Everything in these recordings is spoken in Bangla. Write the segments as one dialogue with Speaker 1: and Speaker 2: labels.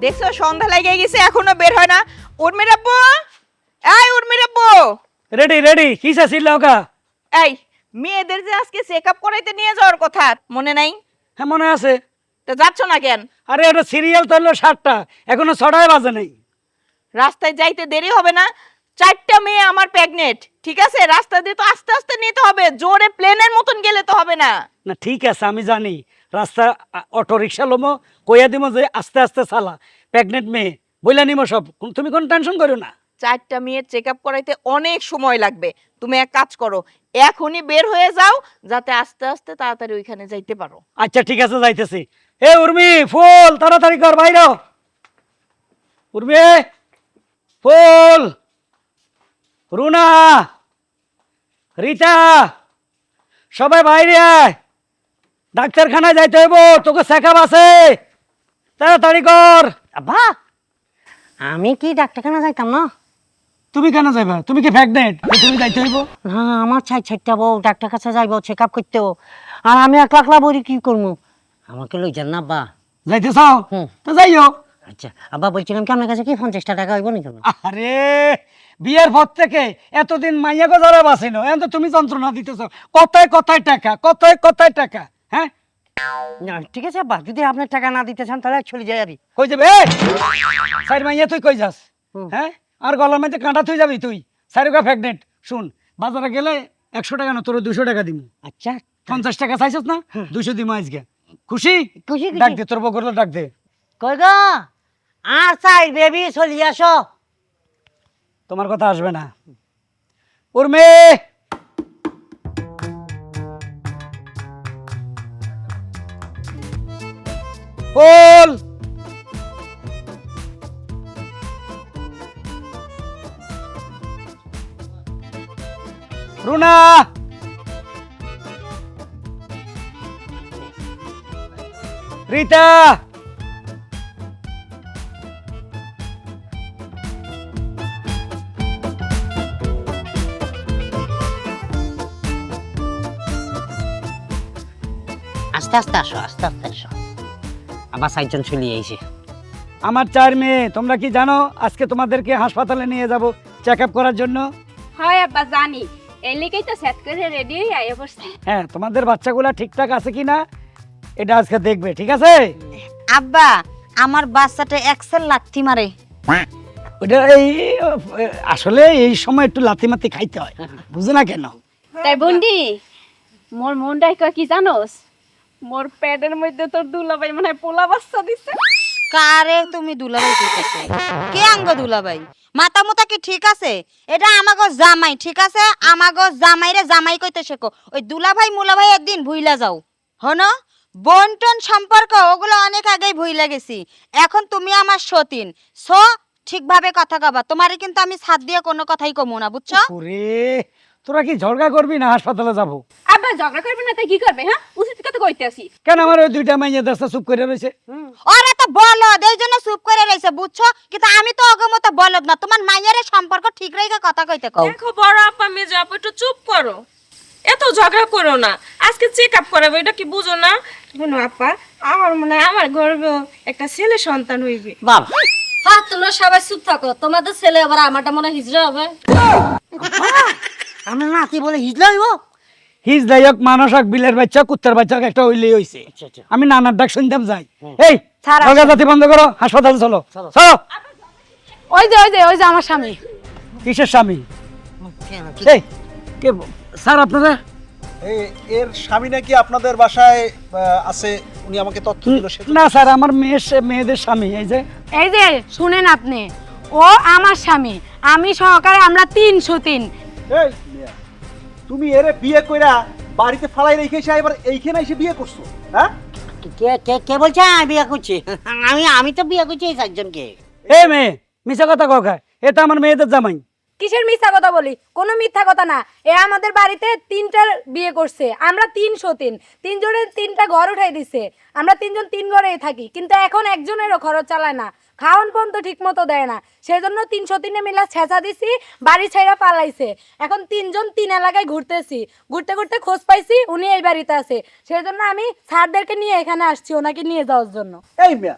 Speaker 1: দেখছো সন্ধ্যা লেগে গেছে এখনো বের হয় না। উর্মির আব্বু, এই উর্মির আব্বু।
Speaker 2: রেডি রেডি কিসা ছিল ওকা?
Speaker 1: এই মেয়েদের যে আজকে চেকআপ করাইতে নিয়ে যাওয়ার কথা মনে নাই?
Speaker 2: হ্যাঁ মনে আছে।
Speaker 1: তো যাচ্ছ না কেন?
Speaker 2: আরে এটা সিরিয়াল তো হলো 7টা, এখনো 6টায় বাজে নেই।
Speaker 1: রাস্তায় যাইতে দেরি হবে না? 4টা মেয়ে আমার প্রেগনেন্ট, ঠিক আছে? রাস্তা দিয়ে তো আস্তে আস্তে নিতে হবে, জোরে প্লেনের মতন গেলে তো হবে না।
Speaker 2: না ঠিক আছে আমি জানি, রাস্তা অটো রিক্সা লোমো, কইয়া দিব যে আস্তে আস্তে চালা, প্রেগনেন্ট মেয়ে বইলা নিমো সব, তুমি কোনো টেনশন করো না।
Speaker 1: 4টা মেয়ের চেকআপ করাইতে অনেক সময় লাগবে। তুমি এক কাজ করো, এখনই বের হয়ে যাও যাতে আস্তে আস্তে তাড়াতাড়ি ওইখানে যাইতে পারো।
Speaker 2: আচ্ছা ঠিক আছে যাইতেছি। এ উর্মি ফুল তাড়াতাড়ি কর বাইরে। উর্মি ফুল, রুনা, রিতা, সবাই বাইরে আয়, ডাক্তারখানায় যাইতে হইব, তোকে চেকআপ আছে, তাড়াতাড়ি কর।
Speaker 3: আব্বা আমি কি ডাক্তারখানা যাইতাম না?
Speaker 2: তুমি কেন যাইবা? তুমি কি প্রেগনেন্ট? তুমি যাইতে হইব?
Speaker 3: না আমার ছাইটা বউ ডাক্তার কাছে যাইব চেক আপ করতেও, আর আমি একলা একলা বলি কি করবো? আমাকে লই যান না আব্বা।
Speaker 2: যাইতে চাও
Speaker 3: হুম।
Speaker 2: তো যাইও।
Speaker 3: আচ্ছা আব্বা বলছিলাম কি আপনার কাছে কি 50টা টাকা হইব নাকি?
Speaker 2: আরে বিয়ের পর থেকে এতদিন মাইয়া গজারা বাঁচিনো, এখন তো তুমি যন্ত্রণা দিতেছ, কথায় কথায় টাকা, কথায় কথায় টাকা। হ্যাঁ
Speaker 3: না ঠিক আছে আব্বা, যদি আপনার টাকা না দিতে চান তাহলে চলে যাই আরই।
Speaker 2: কই যাবে? সাইড মাইয়া তুই কই যাস?
Speaker 3: হুম।
Speaker 2: হ্যাঁ আর গলার মধ্যে কাঁটা তুই যাবি তুই? সাইরুকা প্রেগনেন্ট। শুন, বাজারে গেলে 100 টাকা না, তোর 200 টাকা দিমু।
Speaker 3: আচ্ছা
Speaker 2: 50 টাকা চাইছস না, 200 দিমু আজকে। খুশি?
Speaker 3: খুশি
Speaker 2: ডাক
Speaker 3: খুশি।
Speaker 2: দে, তোর বকরলে ডাক দে।
Speaker 3: কই গো আর চাই বেবি চলি আসো।
Speaker 2: তোমার কথা আসবে না। উর্মি ফুল, রুনা, রিতা,
Speaker 3: আস্তে আস্তে আসো, আস্তে আস্তে আসো। আবার 4জন চলে আইছে।
Speaker 2: আমার 4 মেয়ে। তোমরা কি জানো আজকে তোমাদেরকে হাসপাতালে নিয়ে যাব চেকআপ করার জন্য?
Speaker 4: হয় আব্বা জানি, এই লিগেই তো সেট করে রেডি হয়ে আইয়া পড়ছি।
Speaker 2: হ্যাঁ, তোমাদের বাচ্চাগুলা ঠিকঠাক আছে কিনা এটা আজকে দেখবে, ঠিক আছে?
Speaker 5: আব্বা আমার বাচ্চাটা এক্সেল লাথি মারে।
Speaker 2: ওটা এই আসলে এই সময় একটু লাথি মাতি খাইতে হয়, বুঝো না কেন?
Speaker 4: তাই বন্ডি মোর মনটাই কয় কি জানোস, মোর পেটের মধ্যে তোর দুলাভাই মনে হয় পোলা বাচ্চা দিছে।
Speaker 5: কারে তুমি দুলাভাই কইতেছো? কে আঙ্গ দুলাভাই? মাথা মুতা কি ঠিক আছে? এটা আমাগো জামাই, ঠিক আছে? আমাগো জামাইরে জামাই কইতে শেখো। ওই দুলাভাই মুলাভাই একদিন ভুইলা যাও। হনো বন্টন সম্পর্ক ওগুলো অনেক আগেই ভুইলা গেছি। এখন তুমি আমার সতীন, সো ঠিকভাবে কথা কবা। তোমারে কিন্তু আমি ছাদ দিয়ে কোনো কথাই কমু না, বুঝছো?
Speaker 2: ওরে তোরা কি ঝগড়া করবি না হাসপাতালে যাব?
Speaker 4: আব্বা ঝগড়া করবে না তাই কি করবে? হ্যাঁ উচিত কথা কইতে আসি।
Speaker 2: কেন আমার ওই 2টা মাইয়া দেশটা চুপ করে রয়েছে?
Speaker 5: ওরা তো বলদ, এই জন্য চুপ করে রইছে, বুঝছো? কিন্তু আমি তো ওগো মতো বলদ না। তোমার মাইয়ারে সম্পর্ক ঠিক রেখে কথা কইতে কও।
Speaker 6: দেখো বড় আপা মেজো আপা একটু চুপ করো, এত ঝগড়া করো না। আজকে চেক আপ করাবো, এটা কি বুঝো না? শোনো আপা, আমার মনে হয় আমার গর্ভে একটা ছেলে সন্তান হইবে।
Speaker 3: বাবা
Speaker 7: হ্যাঁ তোমরা সবাই চুপ থাকো, তোমাদের ছেলে আবার আমারটা মনে হয় হিজড়া হবে।
Speaker 3: আমরা নাতি বলে হিজলা হইব?
Speaker 2: হিজ দায়ক মানুষ হোক, বিলের বাচ্চা কুত্তার বাচ্চা হোক, একটা হইলেই হইছে।
Speaker 3: আচ্ছা।
Speaker 2: আমি নানার ডাক শুনতাম যাই। এই ঝগড়া জাতি বন্ধ করো, হাসপাতালে চলো চলো।
Speaker 4: ওই যে আমার স্বামী।
Speaker 2: কিসের স্বামী? এই কে স্যার আপনারা?
Speaker 8: এর স্বামী নাকি আপনাদের বাসায় আছে, উনি আমাকে তথ্য দিল।
Speaker 2: না স্যার, আমার মেয়েদের স্বামী। এই যে
Speaker 4: শুনেন আপনি, ও আমার স্বামী, আমি সহকারে আমরা 303।
Speaker 8: এই মিয়া, তুমি এরে বিয়ে কইরা বাড়িতে ফালাই রেখে এসে এবার এইখানে এসে বিয়ে করছো? হ্যাঁ
Speaker 3: কে কে কে বলছে আমি বিয়ে করছি? আমি তো বিয়ে করছি এই 4জনকে।
Speaker 2: এই মেয়ে মিছা কথা কখা, এটা আমার মেয়েদের জামাই।
Speaker 4: কিসের মিথ্যা কথা বলি? কোনো মিথ্যা কথা না। এ আমাদের বাড়িতে 3টার বিয়ে করছে, আমরা 303, 3জনের 3টা ঘর উঠাই দিছে। আমরা 3জন 3 ঘরেই থাকি, কিন্তু এখন একজনেরও খরচ চালায় না, খাওয়ান পর্যন্ত ঠিক মতো দেয় না। সেই জন্য 303 মিলা ছেঁচা দিছি, বাড়ি ছাইরা পালাইছে। এখন 3জন 3 এলাকায় ঘুরতেছি, ঘুরতে ঘুরতে খোঁজ পাইছি উনি এই বাড়িতে আছে। সেই জন্য আমি স্যারদেরকে নিয়ে এখানে আসছি ওনাকে নিয়ে যাওয়ার জন্য।
Speaker 8: এই মিয়া,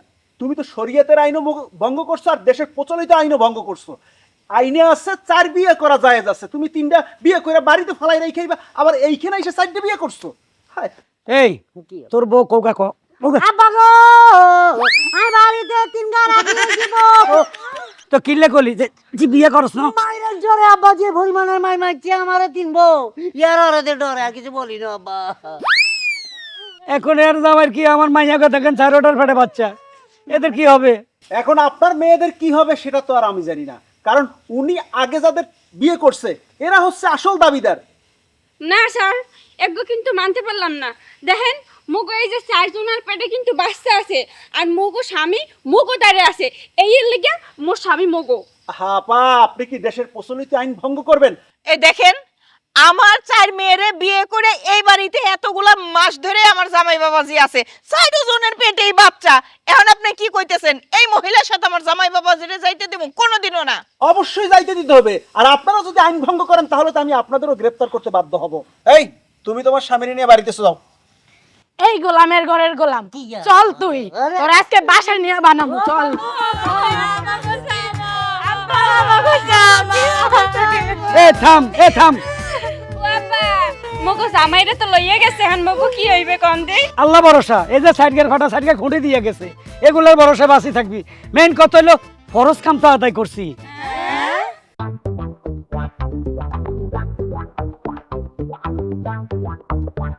Speaker 8: তুমি তো শরীয়তের আইনও ভঙ্গ করছো আর দেশের প্রচলিত আইনও ভঙ্গ করছো। আইনে আছে 4 বিয়ে করা জায়েজ আছে, তুমি 3টা বিয়ে করে বাড়িতে ফালাই রেখেইবা, আবার এইখানে এসে 4টা বিয়ে করছো। হায়,
Speaker 2: এই তোর বউ কৌকা কৌকা
Speaker 3: আব্বা গো আমি বাড়িতে 3 গাড়া দিয়ে দিব
Speaker 2: তো কিনলে কলি যে বিয়ে করছ না
Speaker 3: মাইরের জোরে আব্বা যে পরিমাণের মাই মারছে আমারে তিনবো ইয়ার ওরে ডরে আর কিছু বলি না আব্বা।
Speaker 2: এখন এর জামাইয়ের কি আমার মাইয়াকে দেখেন 4টার ফেটে বাচ্চা, এদের কি হবে?
Speaker 8: এখন আপনার মেয়েদের কি হবে সেটা তো আর আমি জানি না, কারণ উনি আগে যাদের বিয়ে করছে এরা হচ্ছে আসল দাবিদার।
Speaker 6: না স্যার, এগুলো কিন্তু মানতে পারলাম না। দেখেন মুগো এই যে 4 জনের পেটে কিন্তু বাচ্চা আছে, আর মুগো স্বামী মুগো দাঁড়িয়ে আছে, এই লিগে মোর স্বামী মুগো।
Speaker 8: হ্যাঁ পা, আপনি কি দেশের প্রচলিত আইন ভঙ্গ করবেন?
Speaker 1: এই দেখেন, আমার 4 মেয়েরে বিয়ে করে এই বাড়িতে এতগুলা মাস ধরে আমার জামাই বাবাজি আছে, 4 জনের পেটেই বাচ্চা। এখন আপনি কি কইতেছেন এই মহিলার সাথে আমার জামাই বাবাজিরে যাইতে দেব? কোনোদিনও না।
Speaker 8: অবশ্যই যাইতে দিতে হবে, আর আপনারা যদি আইন ভঙ্গ করেন তাহলে তো আমি আপনাদেরও গ্রেফতার করতে বাধ্য হব। এই তুমি তোমার স্বামীর নিয়ে বাড়িতে যাও।
Speaker 4: এই গোলামের ঘরের গোলাম,
Speaker 3: কি আর?
Speaker 4: চল তুই, তোর আজকে বাসায় নিয়ে বানাবো, চল।
Speaker 2: এ থাম
Speaker 6: মগো জামাইরে তো লইয়া গেছে, এখন মগো কি হইবে কোন দে?
Speaker 2: আল্লাহ ভরসা। এই যে সাইডগের ফাটা সাইডগে খুঁটে দিয়ে গেছে, এগুলোর ভরসা বাঁচি থাকবি। মেইন কথা হলো ফরজ কাম তো আদায় করছি,